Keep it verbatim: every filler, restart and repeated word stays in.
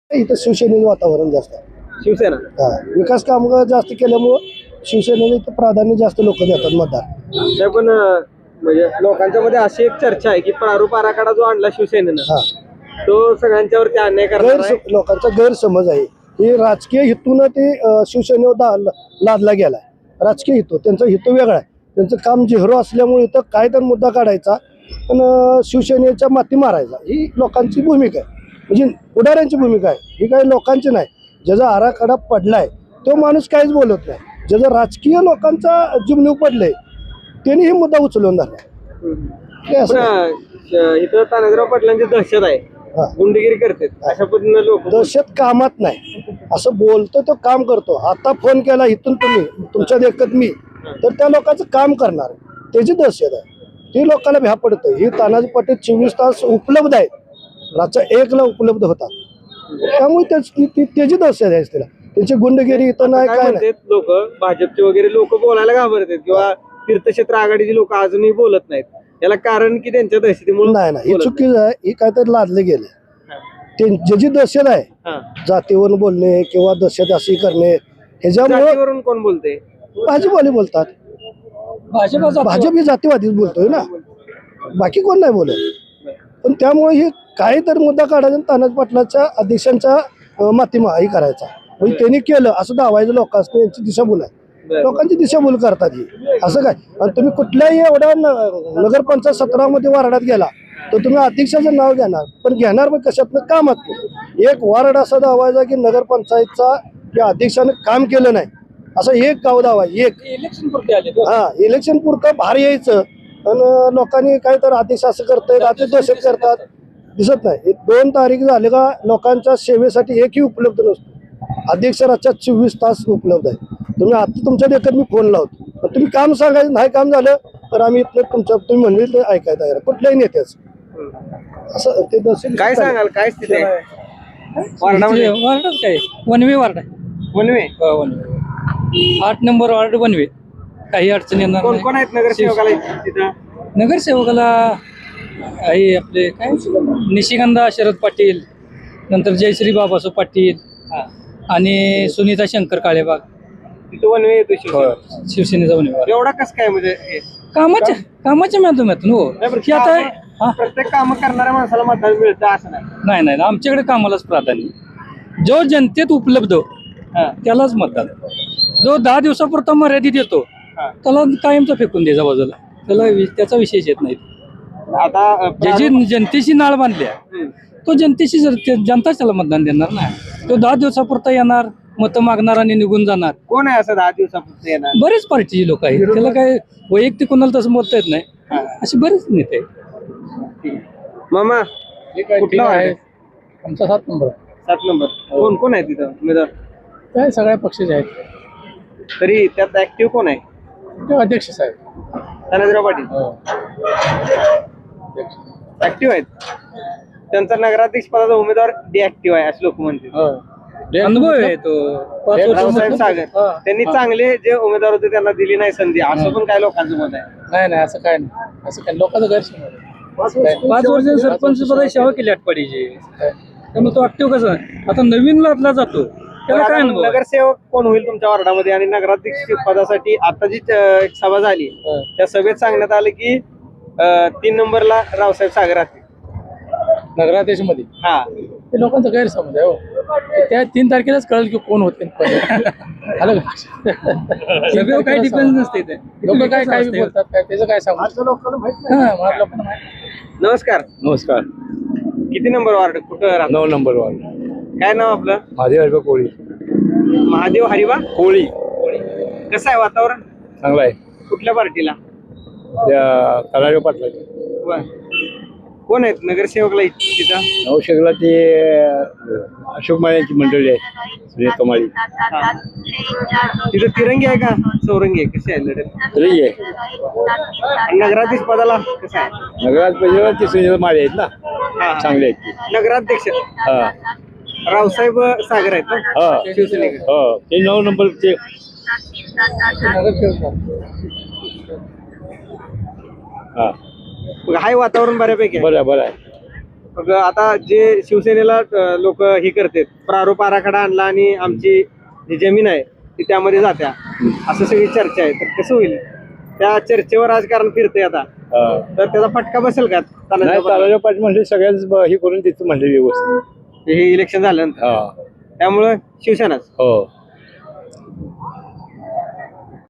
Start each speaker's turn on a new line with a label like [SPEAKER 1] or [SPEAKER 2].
[SPEAKER 1] इथं शिवसेनेचं वातावरण जास्त आहे.
[SPEAKER 2] शिवसेना
[SPEAKER 1] हा विकास काम जास्त केल्यामुळं शिवसेनेला इथं प्राधान्य जास्त लोक देतात मतदार.
[SPEAKER 2] नाही पण अं, म्हणजे लोकांच्या मध्ये अशी एक चर्चा आहे की प्रारूप आराखडा जो आणला शिवसेनेनं
[SPEAKER 1] हा
[SPEAKER 2] तो सगळ्यांच्यावरती अन्याय करणार आहे.
[SPEAKER 1] गैर लोकांचा गैरसमज आहे. हे राजकीय हेतून ते अं, शिवसेनेवर दा- लादला गेलाय. राजकीय हेतू त्यांचा हेतू वेगळा आहे. त्यांचं काम झिरो असल्यामुळे इथं काय तर मुद्दा काढायचा पण अं, शिवसेनेच्या माती मारायचा ही लोकांची भूमिका आहे. म्हणजे पुढाऱ्यांची भूमिका आहे. ही काही लोकांची नाही. ज्याचा आराखडा पडलाय तो माणूस काहीच बोलत नाही. ज्याचा राजकीय लोकांचा जीवनीव पडले त्यांनी ही मुद्दा उचलून धरला. हे असं
[SPEAKER 2] पण अं, इथं तानाजीराव पाटलांची दहशत आहे.
[SPEAKER 1] हा.
[SPEAKER 2] गुंडगिरी करते अशा पद्धतीने लोक
[SPEAKER 1] दहशत कामात नाही. असं बोलतो तो काम करतो. आता फोन केला इथून तुम्ही तुमच्या देखत मी तर त्या लोकांचं काम करणार त्याची दहशत आहे. ती लोकांना भ्या पडतं. ही तानाजी पाटील चोवीस तास उपलब्ध आहेत. रातच्या एकला उपलब्ध होतात. त्यामुळे त्याच- ती- ती- त्याची दहशत आहे तिला. त्याची गुंडगिरी इथं नाही काय नाही.
[SPEAKER 2] लोक भाजपचे वगैरे लोक बोलायला घाबरतात किंवा तीर्थक्षेत्र आघाडीची लोक अजूनही बोलत नाहीत. याला कारण की त्यांच्या दहशतीमुळे
[SPEAKER 1] नाही नाही ही चुकीचं आहे. ही काहीतरी लादले गेले. ते ज्याची दहशत आहे जातीवरून बोलणे किंवा दहशत अशी करणे ह्याच्यामुळे
[SPEAKER 2] जातीवरून कोण बोलते
[SPEAKER 1] भाजपवाले बोलतात. भाजप ही जातीवादीच बोलतोय ना बाकी कोण नाही बोलत. पण त्यामुळे हे काही तर मुद्दा काढायचा तानाजी पाटलाच्या अध्यक्षांच्या अं, मातीमा ही करायचा म्हणजे त्यांनी केलं असं दावायचं लोकांचं यांची दिशाभूल आहे. लोकांची दिशाभूल करतात ही असं काय. आणि तुम्ही कुठल्याही एवढ्या न- नगरपंचायत सतरामध्ये वार्डात गेला तर तुम्ही अध्यक्षाचं नाव घेणार पण घेणार मग कशातनं कामात. एक वार्ड असा दावायचा की नगरपंचायतचा किंवा अध्यक्षानं काम केलं नाही असं एक गाव दावा एक
[SPEAKER 2] इलेक्शन पुरते आले
[SPEAKER 1] हा इलेक्शन पुरतं बाहेर यायचं आणि लोकांनी काय तर अध्यक्ष असं करतायत अध्यक्ष दहशत करतात दिसत नाही. हे दोन तारीख झाले का लोकांच्या सेवेसाठी एकही उपलब्ध नसतो. अध्यक्ष रातच्या चोवीस तास उपलब्ध आहे. तुम्ही आता तुमच्या देखत मी फोन लावतो पण तुम्ही काम सांगायचं नाही काम झालं तर आम्ही इथलं तुमच्या तुम्ही म्हणले ते ऐकायला तयार कुठल्याही नेत्याचं असं ते दहशत
[SPEAKER 2] काय सांगाल काय स्थिती आहे वार्डामध्ये?
[SPEAKER 3] वार्ड काय वनवे वार्ड आहे.
[SPEAKER 2] वनवे
[SPEAKER 3] हो, वनवे आठ नंबर वार्ड वनवे. काही अडचण येणार
[SPEAKER 2] कोण
[SPEAKER 3] नाही.
[SPEAKER 2] कोण आहेत नगरसेवकाला तिथं?
[SPEAKER 3] नगरसेवकाला आहे आपले काय निशिगंधा शरद पाटील नंतर जयश्री बाबासो पाटील आणि सुनीता शंकर काळेबाग
[SPEAKER 2] तिथं वनवे येतो शिवसेना.
[SPEAKER 3] शिवसेनेचा वनवे वार्ड.
[SPEAKER 2] एवढा कस काय म्हणजे हे?
[SPEAKER 3] कामाच्या कामाच्या माध्यमातून हो
[SPEAKER 2] नाही, पण
[SPEAKER 3] की आता
[SPEAKER 2] कामं-
[SPEAKER 3] हा
[SPEAKER 2] प्रत्येक काम करणाऱ्या माणसाला मतदान मिळतं असं नाही.
[SPEAKER 3] नाही नाही आमच्याकडे कामालाच प्राधान्य. जो जनतेत उपलब्ध
[SPEAKER 2] हा.
[SPEAKER 3] त्यालाच मतदान. जो दहा दिवसापुरता मर्यादित येतो
[SPEAKER 2] हा.
[SPEAKER 3] त्याला कायमचा फेकून द्यायचा बाजूला. त्याला वि- त्याचा विशेष येत नाही.
[SPEAKER 2] आता अं,
[SPEAKER 3] ज्याची जनतेशी नाळ बांधल्या
[SPEAKER 2] हम्म.
[SPEAKER 3] तो जनतेशी जर ते- जनताच त्याला मतदान देणार ना. तो दहा दिवसापुरता येणार मतं मागणार आणि निघून जाणार.
[SPEAKER 2] कोण आहे असं दहा दिवसापुरतं येणार?
[SPEAKER 3] बरेच पार्टीचे लोक आहेत. त्याला काय वैयक्तिक कोणाला तसं बोलता येत नाही. असे बरेच नेते आहेत.
[SPEAKER 2] मामा कुठला आहे?
[SPEAKER 3] आमचा सात नंबर
[SPEAKER 2] सात नंबर. कोण कोण आहे तिथं उमेदवार?
[SPEAKER 3] काय सगळ्या पक्षाचे आहेत.
[SPEAKER 2] तरी त्यात ऍक्टिव्ह कोण आहे?
[SPEAKER 3] ते अध्यक्ष साहेब
[SPEAKER 2] तानाजीराव पाटील ऍक्टिव्ह आहेत. त्यांचा नगराध्यक्ष पदाचा उमेदवार डिऍक्टिव्ह आहे असे लोक म्हणतात.
[SPEAKER 3] अनुभव आहे तो. पाच वर्ष
[SPEAKER 2] रावसाहेब
[SPEAKER 3] मधलं-
[SPEAKER 2] सागर
[SPEAKER 3] हा.
[SPEAKER 2] त्यांनी चांगले जे उमेदवार होते त्यांना दिली नाही संधी असं पण काय लोकांचं मत आहे.
[SPEAKER 3] नाही नाही असं काय नाही. असं काय लोकांचं गैरसमज आहे. पाच वर्ष सरपंच पदाची सेवा केली आटपाडीची त्यामुळे तो ऍक्टिव्ह कसं आता नवीन लादला जातो त्याला काय
[SPEAKER 2] आता
[SPEAKER 3] अनुभव आहे?
[SPEAKER 2] नगरसेवक कोण होईल तुमच्या वार्डामध्ये आणि नगराध्यक्ष पदासाठी आता जी अं, एक सभा झाली
[SPEAKER 3] हा.
[SPEAKER 2] त्या सभेत सांगण्यात आलं की अं, तीन नंबरला रावसाहेब सागर राहतील.
[SPEAKER 3] नगराध्यक्ष मध्ये
[SPEAKER 2] हा
[SPEAKER 3] ते लोकांचा गैरसमज आहे हो. त्या तीन तारखेलाच कळेल की कोण होते आलं का? सगळं काही डिपेंड नसते ते लोक काय काय बी बोलतात काय त्याचं काय सांगू
[SPEAKER 1] लोकांना माहित
[SPEAKER 3] हा, मला लोकांना माहिती.
[SPEAKER 2] नमस्कार.
[SPEAKER 4] नमस्कार.
[SPEAKER 2] किती नंबर वार्ड कुठं राहता?
[SPEAKER 4] नऊ नंबर वार्ड
[SPEAKER 2] काय नाव आपलं?
[SPEAKER 4] महादेव हरिबा कोळी.
[SPEAKER 2] महादेव हरिबा
[SPEAKER 4] कोळी
[SPEAKER 2] कसं आहे वातावरण?
[SPEAKER 4] चांगला आहे.
[SPEAKER 2] कुठल्या पार्टीला?
[SPEAKER 4] त्या तलाठी पाटला
[SPEAKER 2] बर. कोण आहेत नगरसेवकला तिथं?
[SPEAKER 4] नवशेकला ते अशोक माळ्यांची मंडळी आहे सुनील कमाळी.
[SPEAKER 2] हा. तिथं तिरंगी आहे का चौरंगी आहे कशी आहे लढत?
[SPEAKER 4] तरी आहे.
[SPEAKER 2] आणि नगराध्यक्ष पदाला कसं आहे?
[SPEAKER 4] नगरात पहिल्या ते सुनील माळी आहेत ना
[SPEAKER 2] हा.
[SPEAKER 4] चांगले आहेत ते.
[SPEAKER 2] नगराध्यक्ष
[SPEAKER 4] हा
[SPEAKER 2] रावसाहेब सागर आहेत ना
[SPEAKER 4] हा
[SPEAKER 2] शिवसेनेकडे.
[SPEAKER 4] हो ते नऊ नंबरचे. हा
[SPEAKER 2] मग हाय वातावरण बऱ्यापैकी आहे.
[SPEAKER 4] बरं आहे, बरं आहे.
[SPEAKER 2] मग आता जे शिवसेनेला लोक हे करतात, प्रारूप आराखडा आणला आणि आमची जी जमीन आहे ती त्यामध्ये जात्या, असं सगळी चर्चा आहे. तर कसं होईल? त्या चर्चेवर राजकारण फिरते आता,
[SPEAKER 4] हा.
[SPEAKER 2] तर त्याचा फटका बसेल का
[SPEAKER 4] नाही
[SPEAKER 2] तानाजी
[SPEAKER 4] तानाजी पाटील म्हणले सगळ्यांच ब- हे करून देतो म्हणले व्यवस्थित.
[SPEAKER 2] हे इलेक्शन झाल्यानंतर?
[SPEAKER 4] हा
[SPEAKER 2] त्यामुळं शिवसेनाच.
[SPEAKER 4] हो